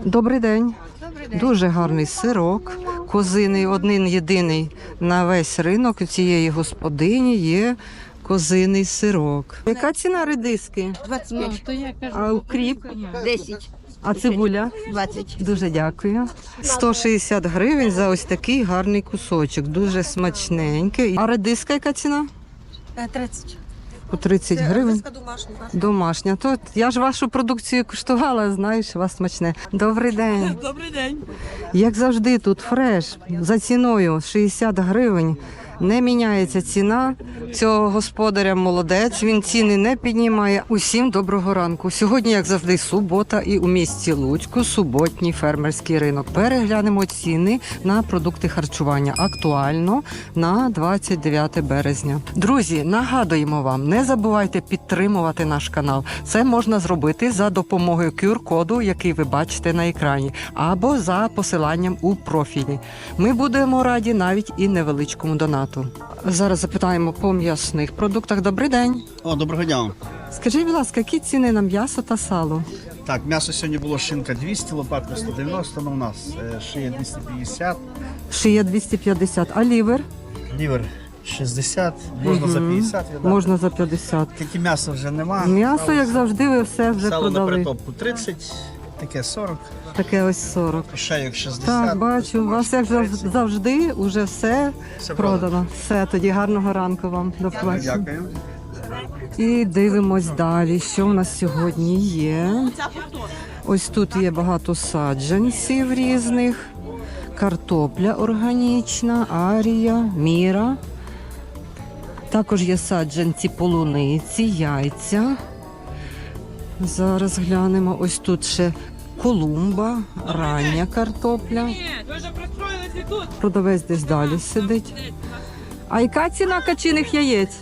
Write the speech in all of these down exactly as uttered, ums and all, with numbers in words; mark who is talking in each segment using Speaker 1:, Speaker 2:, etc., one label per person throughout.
Speaker 1: Добрий день.
Speaker 2: Добрий день.
Speaker 1: Дуже гарний сирок, козиний, один єдиний на весь ринок. У цієї господині є козиний сирок. Яка ціна редиски?
Speaker 2: двадцять п'ять.
Speaker 1: А укріп?
Speaker 2: десять.
Speaker 1: А цибуля?
Speaker 2: двадцять.
Speaker 1: Дуже дякую. сто шістдесят гривень за ось такий гарний кусочок. Дуже смачненький. А редиска яка ціна?
Speaker 2: тридцять.
Speaker 1: По тридцять гривень.
Speaker 2: домашня.
Speaker 1: Домашня. То я ж вашу продукцію куштувала, знаю, що у вас смачне. Добрий день.
Speaker 2: Добрий день.
Speaker 1: Як завжди, тут фреш за ціною шістдесят гривень. Не міняється ціна. Цього господаря молодець, він ціни не піднімає. Усім доброго ранку. Сьогодні, як завжди, субота і у місті Луцьку суботній фермерський ринок. Переглянемо ціни на продукти харчування. Актуально на двадцять дев'яте березня. Друзі, нагадуємо вам, не забувайте підтримувати наш канал. Це можна зробити за допомогою кю ар-коду, який ви бачите на екрані, або за посиланням у профілі. Ми будемо раді навіть і невеличкому донату. Зараз запитаємо по м'ясних продуктах. Добрий день.
Speaker 3: О, доброго дня.
Speaker 1: Скажіть, будь ласка, які ціни на м'ясо та сало?
Speaker 3: Так, м'ясо сьогодні було шинка двісті, лопатка сто дев'яносто, але у нас е, шия двісті п'ятдесят,
Speaker 1: Шия двісті п'ятдесят, а лівер?
Speaker 3: лівер шістдесят, можна за п'ятдесят віддати.
Speaker 1: Можна за п'ятдесят.
Speaker 3: Тільки м'яса вже нема.
Speaker 1: М'ясо, як завжди, ви все вже
Speaker 3: Сало на
Speaker 1: продали.
Speaker 3: перетопку тридцять, таке сорок,
Speaker 1: Таке ось сорок.
Speaker 3: шейок шістдесят.
Speaker 1: Так, бачу, у вас як зав- завжди уже все
Speaker 3: Все
Speaker 1: продано.
Speaker 3: продано.
Speaker 1: Все, тоді гарного ранку вам. До побачення.
Speaker 3: Дякую.
Speaker 1: І дивимось далі, що в нас сьогодні є. Ось тут є багато саджанців різних. Картопля органічна, арія, міра. Також є саджанці полуниці, яйця. Зараз глянемо. Ось тут ще колумба, рання картопля. Продавець десь далі сидить. А яка ціна качиних яєць?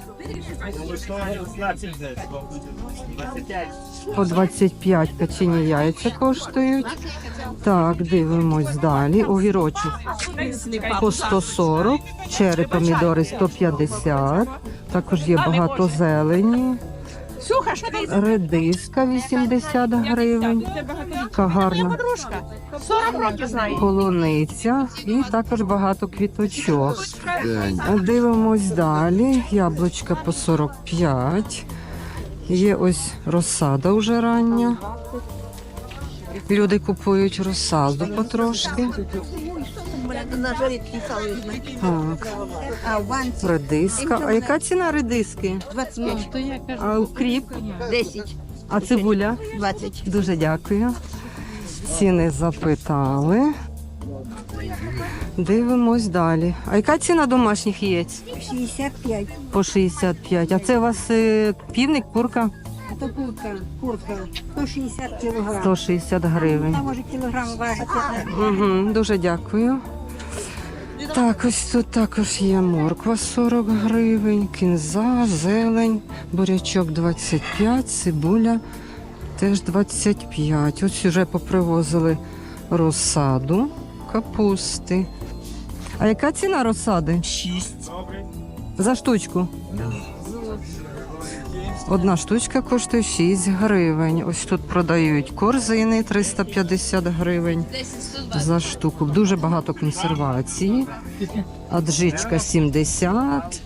Speaker 1: По двадцять п'ять качині яйця коштують. Так, дивимось далі. Огірочок по сто сорок, черри помідори сто п'ятдесят. Також є багато зелені. Редиска вісімдесят гривень. Така гарна
Speaker 2: сорок років знаю.
Speaker 1: полуниця і також багато квіточок. Дивимось далі. Яблучка по сорок п'ять. Є ось розсада вже рання. Люди купують розсаду потрошки.
Speaker 2: На жарі писали.
Speaker 1: Так,
Speaker 2: А в банці
Speaker 1: редиска. А яка ціна редиски?
Speaker 2: двадцять п'ять.
Speaker 1: А укріп?
Speaker 2: десять.
Speaker 1: А цибуля?
Speaker 2: двадцять.
Speaker 1: Дуже дякую. Ціни запитали. Дивимось далі. А яка ціна домашніх яєць?
Speaker 2: шістдесят п'ять.
Speaker 1: По шістдесят п'ять. А це у вас е, півник, курка?
Speaker 2: Це курка. Курка. сто шістдесят кілограм.
Speaker 1: сто шістдесят гривень.
Speaker 2: Там може кілограм важить.
Speaker 1: Угу, дуже дякую. Так, ось тут також є морква сорок гривень, кінза, зелень, бурячок двадцять п'ять, цибуля теж двадцять п'ять. Ось вже попривозили розсаду, капусти. А яка ціна розсади?
Speaker 3: шість.
Speaker 1: За штучку? Одна штучка коштує шість гривень. Ось тут продають корзини триста п'ятдесят гривень за штуку. Дуже багато консервації. Аджичка сімдесят.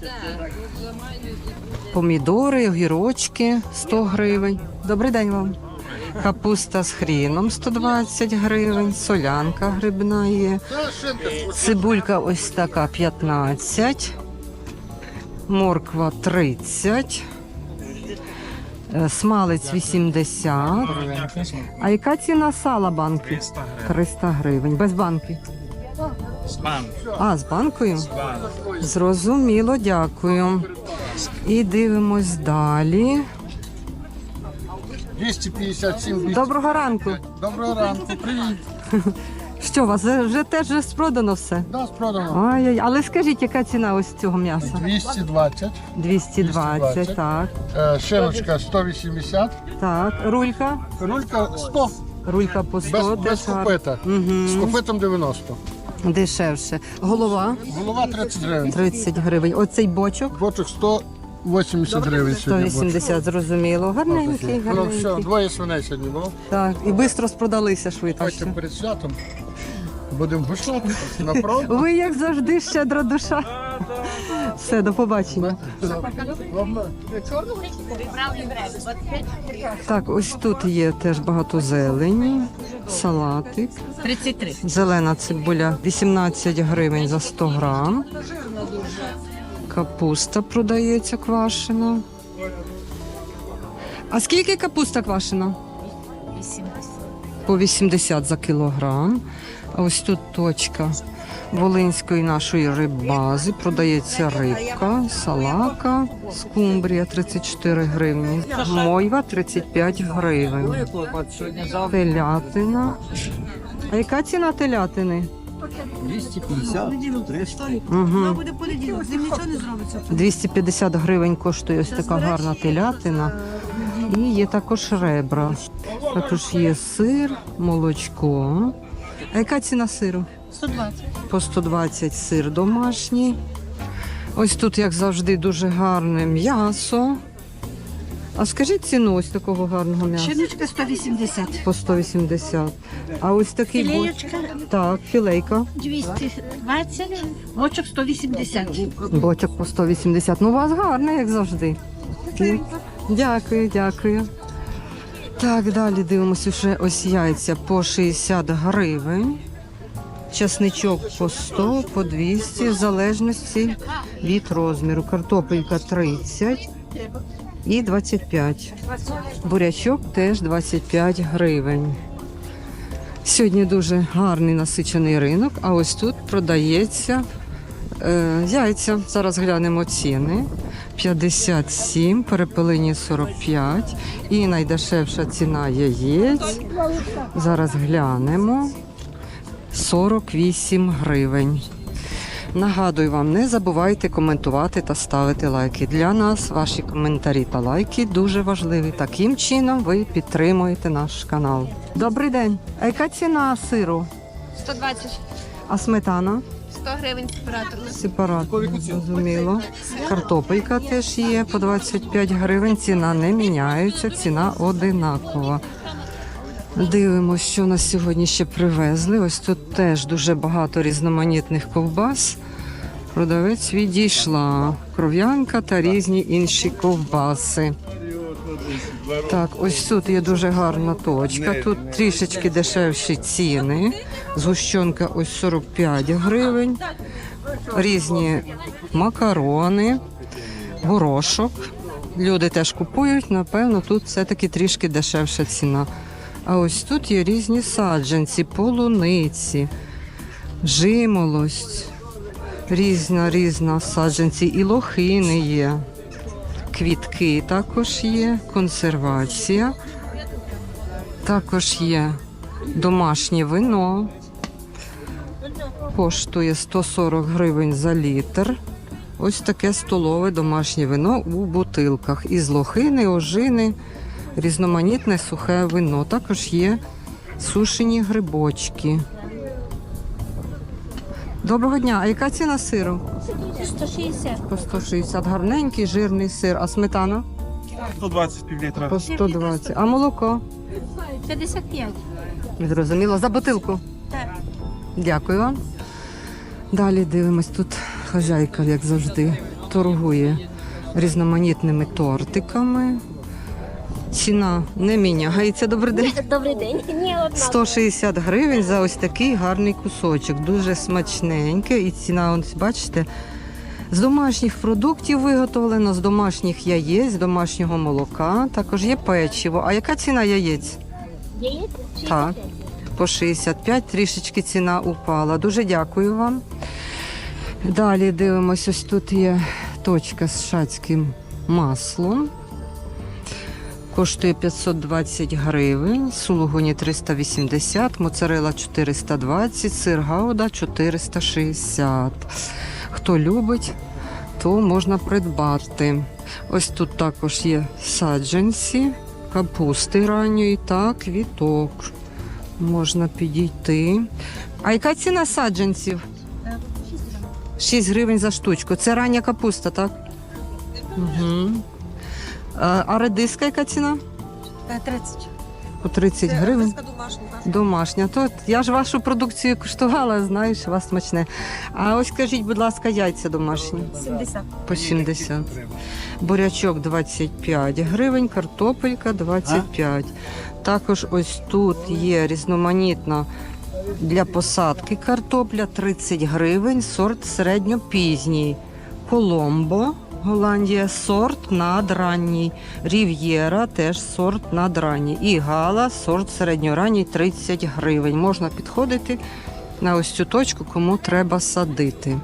Speaker 1: Помідори, огірочки сто гривень. Добрий день вам. Капуста з хріном сто двадцять гривень. Солянка грибна є. Цибулька ось така п'ятнадцять. Морква тридцять. Смалець вісімдесят. А яка ціна сала банки? триста гривень. Без банки?
Speaker 3: З банку.
Speaker 1: А, з банкою? Зрозуміло, дякую. І дивимось далі.
Speaker 4: двісті п'ятдесят сім двісті.
Speaker 1: Доброго ранку.
Speaker 4: Доброго ранку, привіт.
Speaker 1: Що, у вас вже теж вже продано все?
Speaker 4: Да, продано.
Speaker 1: Ай, але скажіть, яка ціна ось цього м'яса?
Speaker 4: двісті двадцять.
Speaker 1: двісті двадцять, так.
Speaker 4: Е, Шиночка сто вісімдесят.
Speaker 1: Так, рулька?
Speaker 4: Рулька сто.
Speaker 1: Рулька по
Speaker 4: Без,
Speaker 1: сто.
Speaker 4: без
Speaker 1: теж гарно.
Speaker 4: копита.
Speaker 1: Мгм.
Speaker 4: З копитом дев'яносто.
Speaker 1: Дешевше. Голова
Speaker 4: Голова тридцять гривень.
Speaker 1: тридцять гривень. Оцей бочок
Speaker 4: Бочок сто вісімдесят гривень
Speaker 1: сто
Speaker 4: сьогодні. борщ.
Speaker 1: вісімдесят, зрозуміло. Гарненький,
Speaker 4: Ну все,
Speaker 1: гарненький.
Speaker 4: двоє свиней сьогодні було.
Speaker 1: Так, і швидко спродалися швидко.
Speaker 4: Хочете перед святом. Будемо пишати. Направо.
Speaker 1: Ви, як завжди, щедра душа. Все, до побачення. Так, ось тут є теж багато зелені, салатик.
Speaker 2: тридцять три.
Speaker 1: Зелена цибуля вісімнадцять гривень за сто грам. Капуста продається квашена. А скільки капуста квашена? По вісімдесят за кілограм. А ось тут точка волинської нашої риббази. Продається рибка, салака, скумбрія тридцять чотири гривні, мойва тридцять п'ять гривень, телятина. А яка ціна телятини?
Speaker 5: двісті п'ятдесят, триста.
Speaker 1: Угу.
Speaker 2: Буде понеділок, з ним нічого не зробиться.
Speaker 1: двісті п'ятдесят гривень коштує ось така гарна телятина. І є також ребра. Також є сир, молочко. А яка ціна сиру?
Speaker 2: сто двадцять.
Speaker 1: По сто двадцять сир домашній. Ось тут, як завжди, дуже гарне м'ясо. А скажіть ціну ось такого гарного м'яса?
Speaker 2: Шиночка сто вісімдесят.
Speaker 1: По сто вісімдесят. А ось такий боч...
Speaker 2: Філеєчка
Speaker 1: Так, філейка.
Speaker 2: двісті двадцять, бочок сто вісімдесят.
Speaker 1: Бочок по сто вісімдесят. Ну, у вас гарне, як завжди. Дякую, дякую. Так, далі дивимося вже ось яйця по шістдесят гривень. Часничок по сто, по двісті, в залежності від розміру. Картопелька тридцять і двадцять п'ять. Бурячок теж двадцять п'ять гривень. Сьогодні дуже гарний насичений ринок, а ось тут продається е, яйця. Зараз глянемо ціни. п'ятдесят сім, перепелині сорок п'ять і найдешевша ціна яєць. Зараз глянемо. сорок вісім гривень. Нагадую вам, не забувайте коментувати та ставити лайки. Для нас ваші коментарі та лайки дуже важливі. Таким чином ви підтримуєте наш канал. Добрий день. А яка ціна сиру?
Speaker 6: сто двадцять,
Speaker 1: А сметана?
Speaker 6: сто гривень сепараторно.
Speaker 1: Сепаратно, зрозуміло. Картопелька теж є по двадцять п'ять гривень. Ціна не міняється, ціна одинакова. Дивимося, що нас сьогодні ще привезли. Ось тут теж дуже багато різноманітних ковбас. Продавець відійшла. Кров'янка та різні інші ковбаси. Так, ось тут є дуже гарна точка. Тут трішечки дешевші ціни. Згущенка ось сорок п'ять гривень. Різні макарони, горошок. Люди теж купують, напевно, тут все-таки трішки дешевша ціна. А ось тут є різні саджанці, полуниці, жимолость, різна різна саджанці, і лохини є, квітки також є, консервація, також є домашнє вино, коштує сто сорок гривень за літр. Ось таке столове домашнє вино у бутилках із лохини, ожини. Різноманітне сухе вино. Також є сушені грибочки. Доброго дня. А яка ціна сиру?
Speaker 2: сто шістдесят.
Speaker 1: По сто шістдесят. Гарненький, жирний сир. А сметана?
Speaker 3: сто двадцять півлітра.
Speaker 1: По сто двадцять. А молоко?
Speaker 2: п'ятдесят п'ять.
Speaker 1: Зрозуміло. За бутилку?
Speaker 2: Так.
Speaker 1: Дякую вам. Далі дивимось. Тут хазяйка, як завжди, торгує різноманітними тортиками. Ціна не міняється. Добрий день.
Speaker 2: Добрий день. Ні, одна.
Speaker 1: сто шістдесят гривень за ось такий гарний кусочок. Дуже смачненький. І ціна, ось бачите, з домашніх продуктів виготовлено, з домашніх яєць, з домашнього молока. Також є печиво. А яка ціна яєць?
Speaker 2: Яєць?
Speaker 1: Так, по шістдесят п'ять. Трішечки ціна упала. Дуже дякую вам. Далі дивимось, ось тут є точка з шацьким маслом. Коштує п'ятсот двадцять гривень, сулугуні триста вісімдесят, моцарелла чотириста двадцять, сир гауда чотириста шістдесят. Хто любить, то можна придбати. Ось тут також є саджанці, капусти ранньої та квіток. Можна підійти. А яка ціна саджанців? шість гривень за штучку. Це рання капуста, так? Угу. А, а редиска яка ціна?
Speaker 2: тридцять.
Speaker 1: По тридцять гривень. Домашня. То я ж вашу продукцію куштувала, знаю, що у вас смачне. А ось скажіть, будь ласка, яйця домашні?
Speaker 2: сімдесят.
Speaker 1: По сімдесят. Бурячок двадцять п'ять гривень, картопелька двадцять п'ять. Також ось тут є різноманітна для посадки картопля тридцять гривень, сорт середньопізній. Коломбо, Голландія, сорт надранній. Рів'єра, теж сорт надранній. І гала, сорт середньоранній, тридцять гривень. Можна підходити на ось цю точку, кому треба садити.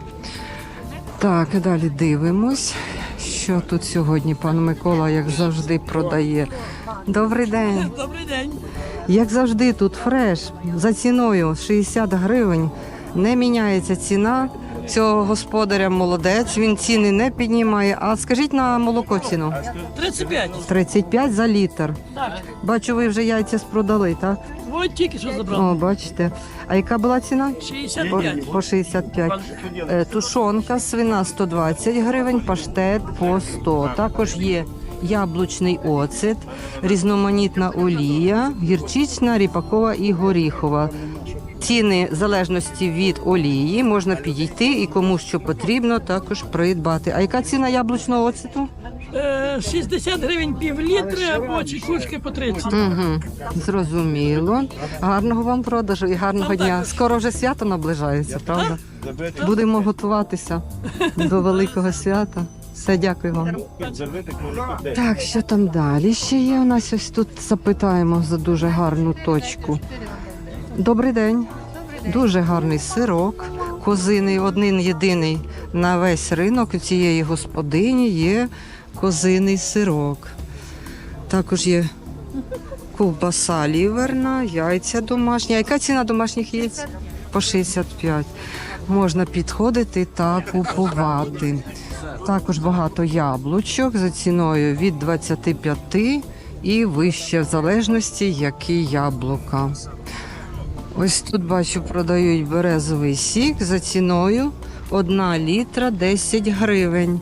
Speaker 1: Так, і далі дивимось, що тут сьогодні пан Микола, як завжди, продає. Добрий день.
Speaker 7: Добрий день.
Speaker 1: Як завжди, тут фреш за ціною шістдесят гривень. Не міняється ціна. Цього господаря молодець, він ціни не піднімає. А скажіть на молоко ціну?
Speaker 7: тридцять п'ять.
Speaker 1: тридцять п'ять за літр.
Speaker 7: Так.
Speaker 1: Бачу, ви вже яйця спродали, так?
Speaker 7: Ось тільки що забрав.
Speaker 1: О, бачите. А яка була ціна?
Speaker 7: шістдесят
Speaker 1: По,
Speaker 7: п'ять.
Speaker 1: по шістдесят п'ять. Е, Тушонка свина сто двадцять гривень, паштет по сто. Також є яблучний оцет, різноманітна олія, гірчична, ріпакова і горіхова. Ціни в залежності від олії можна підійти і кому що потрібно також придбати. А яка ціна яблучного оцету?
Speaker 7: Е, шістдесят гривень пів літри або чекушки по тридцять.
Speaker 1: Угу, зрозуміло. Гарного вам продажу і гарного дня. Скоро вже свято наближається, правда? Будемо готуватися до великого свята. Все, дякую вам. Так, що там далі ще є? У нас ось тут запитаємо за дуже гарну точку. Добрий день. Дуже гарний сирок. Козиний, один єдиний на весь ринок у цієї господині є козиний сирок. Також є ковбаса ліверна, яйця домашні. А яка ціна домашніх яєць? По шістдесят п'ять. Можна підходити та купувати. Також багато яблучок за ціною від двадцяти п'яти і вище, в залежності, які яблука. Ось тут, бачу, продають березовий сік за ціною одна літра десять гривень.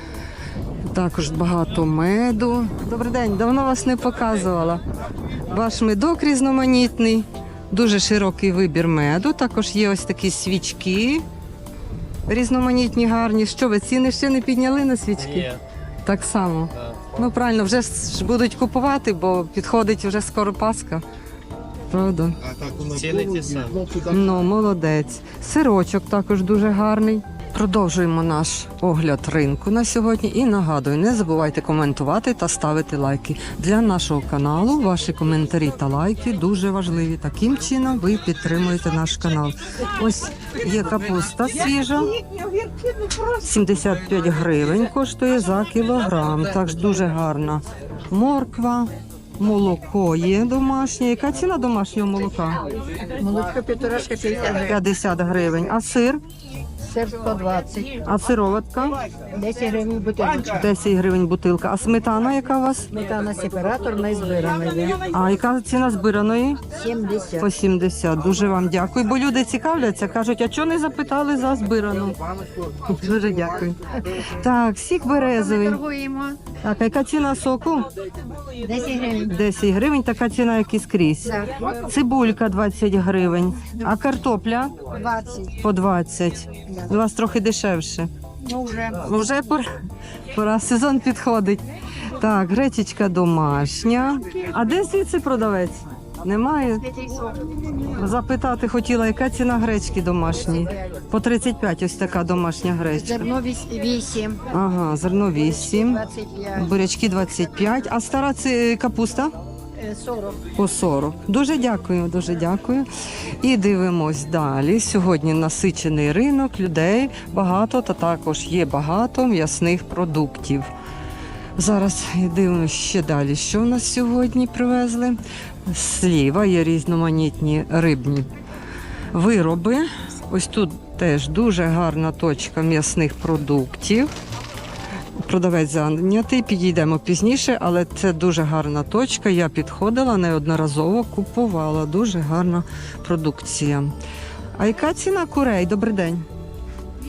Speaker 1: Також багато меду. Добрий день, давно вас не показувала. Ваш медок різноманітний, дуже широкий вибір меду. Також є ось такі свічки різноманітні, гарні. Що ви, ціни ще не підняли на свічки?
Speaker 7: Ні.
Speaker 1: Так само. Ну, правильно, вже ж будуть купувати, бо підходить вже скоро Пасха. Правда?
Speaker 3: Ціни ті самі.
Speaker 1: Ну, молодець. Сирочок також дуже гарний. Продовжуємо наш огляд ринку на сьогодні. І нагадую, не забувайте коментувати та ставити лайки. Для нашого каналу ваші коментарі та лайки дуже важливі. Таким чином ви підтримуєте наш канал. Ось є капуста свіжа. сімдесят п'ять гривень коштує за кілограм. Також дуже гарна морква. Молоко є домашнє. Яка ціна домашнього молока?
Speaker 2: Молочко півторашка п'ятдесят гривень.
Speaker 1: п'ятдесят гривень. А сир?
Speaker 2: Сир сто двадцять.
Speaker 1: А сироватка?
Speaker 2: десять гривень бутилочка.
Speaker 1: десять гривень бутилка. А сметана яка у вас?
Speaker 2: Сметана сепаратор не збирана.
Speaker 1: А яка ціна збираної?
Speaker 2: сімдесят.
Speaker 1: По сімдесят. Дуже вам дякую. Бо люди цікавляться, кажуть, а чого не запитали за збирану? Дуже дякую. Так, сік березовий.
Speaker 6: Торгуємо.
Speaker 1: Так, а яка ціна соку?
Speaker 2: десять гривень.
Speaker 1: десять гривень, така ціна, як і скрізь.
Speaker 2: Так.
Speaker 1: Цибулька двадцять гривень. А картопля?
Speaker 2: двадцять.
Speaker 1: По двадцять. У вас трохи дешевше.
Speaker 2: Ну вже.
Speaker 1: Вже пора, пора, сезон підходить. Так, гречечка домашня. А де звідси продавець? Немає? Запитати хотіла, яка ціна гречки домашньої? По тридцять п'ять ось така домашня гречка.
Speaker 2: Зерно вісім.
Speaker 1: Ага, зерно вісім,
Speaker 2: двадцять п'ять.
Speaker 1: бурячки двадцять п'ять, а стара ці капуста?
Speaker 2: Е, сорок.
Speaker 1: По сорок. Дуже дякую, дуже дякую. І дивимось далі. Сьогодні насичений ринок, людей багато, та також є багато м'ясних продуктів. Зараз дивимося ще далі, що в нас сьогодні привезли. Сліва є різноманітні рибні вироби. Ось тут теж дуже гарна точка м'ясних продуктів. Продавець зайнятий, підійдемо пізніше, але це дуже гарна точка. Я підходила, неодноразово купувала. Дуже гарна продукція. А яка ціна курей? Добрий день.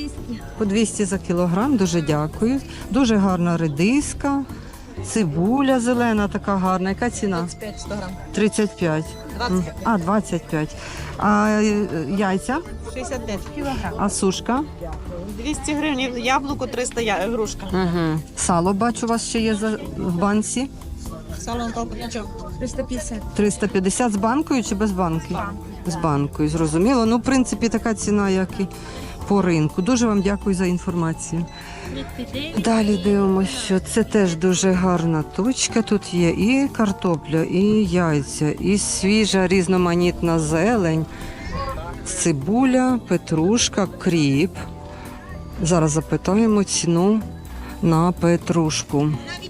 Speaker 2: двісті.
Speaker 1: По двісті за кілограм, дуже дякую. Дуже гарна редиска, цибуля зелена така гарна. Яка ціна? тридцять п'ять. М, А, двадцять п'ять. А е, яйця?
Speaker 8: шістдесят п'ять кілограм.
Speaker 1: А сушка?
Speaker 8: двісті гривень, яблуко триста я, грушка.
Speaker 1: Угу. Сало, бачу, у вас ще є за, в банці.
Speaker 8: Салон колпачок.
Speaker 2: триста п'ятдесят.
Speaker 1: триста п'ятдесят з банкою чи без банки? З банкою, зрозуміло. Ну, в принципі, така ціна, як і по ринку. Дуже вам дякую за інформацію. Далі дивимося, що це теж дуже гарна точка. Тут є і картопля, і яйця, і свіжа різноманітна зелень, цибуля, петрушка, кріп. Зараз запитаємо ціну на петрушку.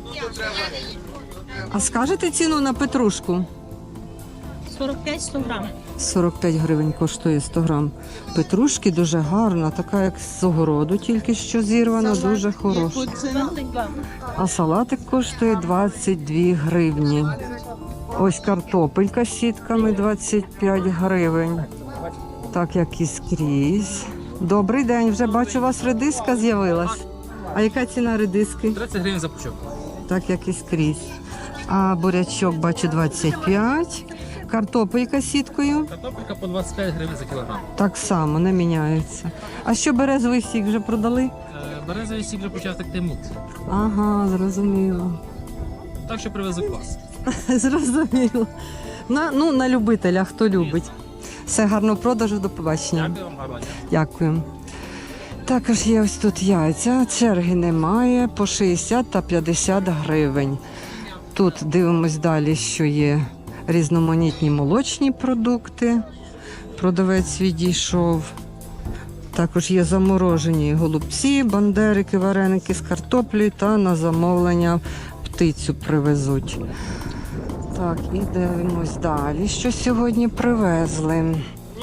Speaker 1: А скажете ціну на петрушку?
Speaker 8: сорок п'ять сто грам.
Speaker 1: сорок п'ять гривень коштує сто грам. Петрушки дуже гарна, така як з огороду, тільки що зірвана, дуже хороша. А салатик коштує двадцять дві гривні. Ось картопелька з сітками двадцять п'ять гривень. Так як і скрізь. Добрий день, вже бачу, у вас редиска з'явилась. А яка ціна редиски?
Speaker 5: тридцять гривень за пучок.
Speaker 1: Так як і скрізь. А бурячок бачу двадцять п'ять. Картопелька з сіткою
Speaker 5: Картопелька по двадцять п'ять гривень за кілограм.
Speaker 1: так само не міняється. А що березовий сік вже продали?
Speaker 5: Е, Березовий сік вже почав текти мут.
Speaker 1: Ага, зрозуміло.
Speaker 5: Так що привезу квас.
Speaker 1: Зрозуміло. На, ну, на любителя, хто любить. Все, гарного продажу, до побачення.
Speaker 5: Дякую вам, гарно.
Speaker 1: Дякую. Також є ось тут яйця, черги немає, по шістдесят та п'ятдесят гривень. Тут дивимось далі, що є різноманітні молочні продукти. Продавець відійшов. Також є заморожені голубці, бандерики, вареники з картоплею та на замовлення птицю привезуть. Так, і дивимось далі, що сьогодні привезли.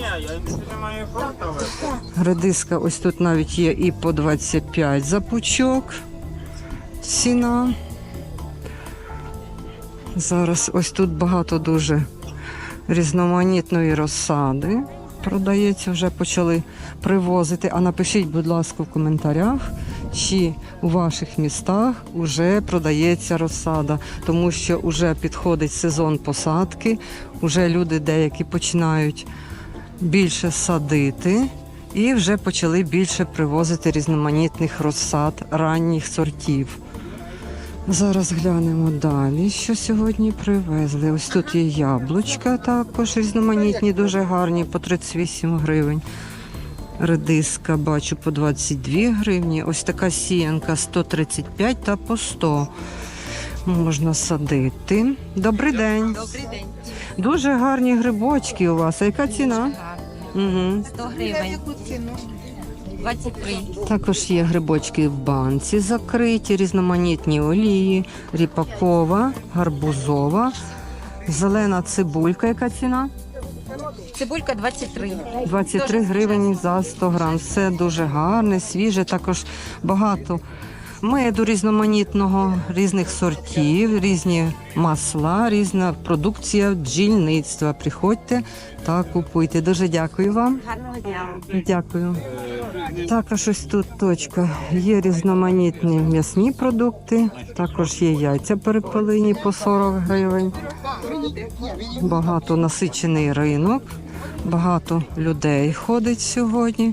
Speaker 1: Редиска ось тут навіть є і по двадцять п'ять за пучок. Ціна. Зараз ось тут багато дуже різноманітної розсади. Продається, вже почали привозити. А напишіть, будь ласка, в коментарях, чи у ваших містах вже продається розсада, тому що вже підходить сезон посадки, вже люди деякі починають більше садити і вже почали більше привозити різноманітних розсад ранніх сортів. Зараз глянемо далі, що сьогодні привезли. Ось тут є яблучка також різноманітні, дуже гарні, по тридцять вісім гривень. Редиска, бачу, по двадцять дві гривні. Ось така сіянка сто тридцять п'ять та по сто. Можна садити. Добрий день.
Speaker 6: Добрий день.
Speaker 1: Дуже гарні грибочки у вас. А яка ціна? Угу.
Speaker 6: сто гривень. двадцять три.
Speaker 1: Також є грибочки в банці закриті, різноманітні олії, ріпакова, гарбузова, зелена цибулька. Яка ціна?
Speaker 6: Цибулька двадцять три.
Speaker 1: двадцять три гривні за сто грам. Все дуже гарне, свіже, також багато меду різноманітного, різних сортів, різні масла, різна продукція бджільництва. Приходьте та купуйте. Дуже дякую вам.
Speaker 6: Гарного дня.
Speaker 1: Дякую. Також ось тут точка. Є різноманітні м'ясні продукти, також є яйця перепелині по сорок гривень. Багато насичений ринок, багато людей ходить сьогодні.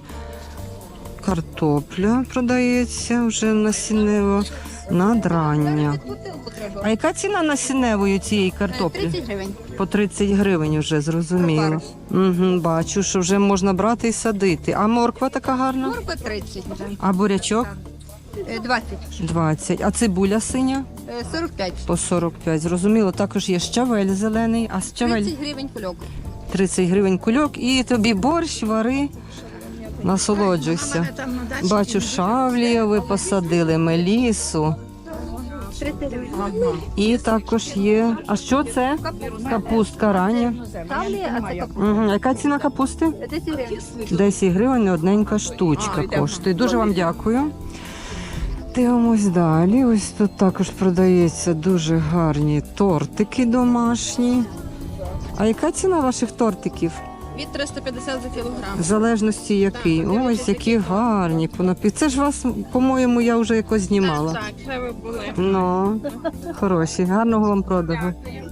Speaker 1: Картопля продається вже насіннево, надрання. А яка ціна насінневої цієї картоплі?
Speaker 6: тридцять гривень.
Speaker 1: По тридцять гривень вже, зрозуміло. Угу, бачу, що вже можна брати і садити. А морква така гарна?
Speaker 6: Морква тридцять вже.
Speaker 1: А бурячок?
Speaker 6: Е, двадцять.
Speaker 1: двадцять. А цибуля синя?
Speaker 6: Е, сорок п'ять.
Speaker 1: По сорок п'ять. Зрозуміло. Також є щавель зелений. А щавель
Speaker 6: тридцять гривень кульок.
Speaker 1: тридцять гривень кульок. І тобі борщ, вари, насолоджуйся. Бачу, шавлію ви посадили, мелісу.
Speaker 6: тридцять гривень.
Speaker 1: І також є. А що це? Капустка рання.
Speaker 6: Ставлі, а це капуста.
Speaker 1: Угу. Яка ціна капусти?
Speaker 6: десять гривень.
Speaker 1: десять гривень одненька штучка коштує. Дуже вам дякую. Дивимось далі. Ось тут також продається дуже гарні тортики домашні. А яка ціна ваших тортиків?
Speaker 6: Від триста п'ятдесят за кілограм.
Speaker 1: В залежності який. Ось які гарні. понапі- Це ж вас, по-моєму, я вже якось знімала.
Speaker 6: Так, вже ви були.
Speaker 1: Ну, хороші. Гарного вам продажу.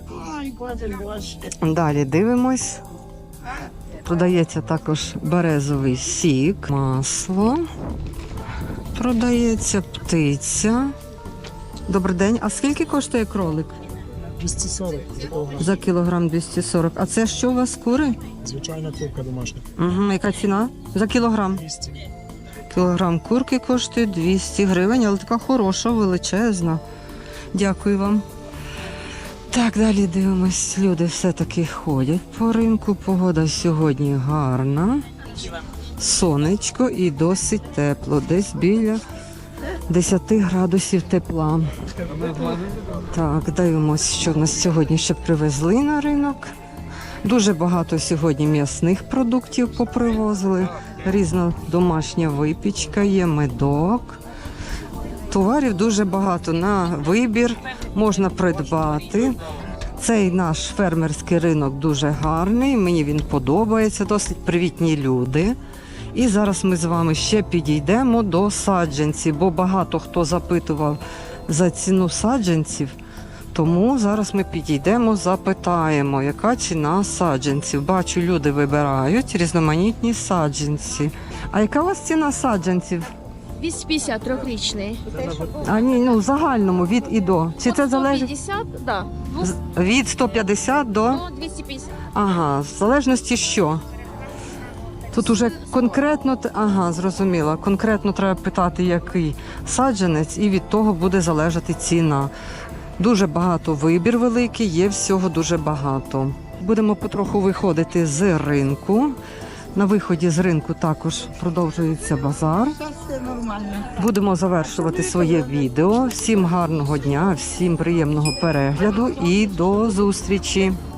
Speaker 1: Далі дивимось. Продається також березовий сік, масло. Продається птиця. Добрий день. А скільки коштує кролик?
Speaker 4: двісті сорок такого.
Speaker 1: За кілограм двісті сорок. А це що у вас кури?
Speaker 4: Звичайна курка домашня.
Speaker 1: Угу. Яка ціна? За кілограм.
Speaker 4: двісті.
Speaker 1: Кілограм курки коштує двісті гривень, але така хороша, величезна. Дякую вам. Так, далі дивимось. Люди все-таки ходять по ринку. Погода сьогодні гарна. Сонечко і досить тепло. Десь біля десять градусів тепла. Так, дивимось, що в нас сьогодні ще привезли на ринок. Дуже багато сьогодні м'ясних продуктів попривозили. Різна домашня випічка, є медок. Товарів дуже багато на вибір, можна придбати. Цей наш фермерський ринок дуже гарний, мені він подобається, досить привітні люди. І зараз ми з вами ще підійдемо до саджанців, бо багато хто запитував за ціну саджанців. Тому зараз ми підійдемо, запитаємо, яка ціна саджанців. Бачу, люди вибирають різноманітні саджанці. А яка у вас ціна саджанців?
Speaker 6: двісті п'ятдесят трьохрічний.
Speaker 1: А ні, ну в загальному від і до. Чи це залежить
Speaker 6: сто п'ятдесят, да.
Speaker 1: З- від сто п'ятдесят до?
Speaker 6: Ну, двісті п'ятдесят.
Speaker 1: Ага, в залежності що? Тут уже конкретно, т- ага, зрозуміла. Конкретно треба питати, який саджанець, і від того буде залежати ціна. Дуже багато вибір великий, є всього дуже багато. Будемо потроху виходити з ринку. На виході з ринку також продовжується базар. Будемо завершувати своє відео. Всім гарного дня, всім приємного перегляду і до зустрічі!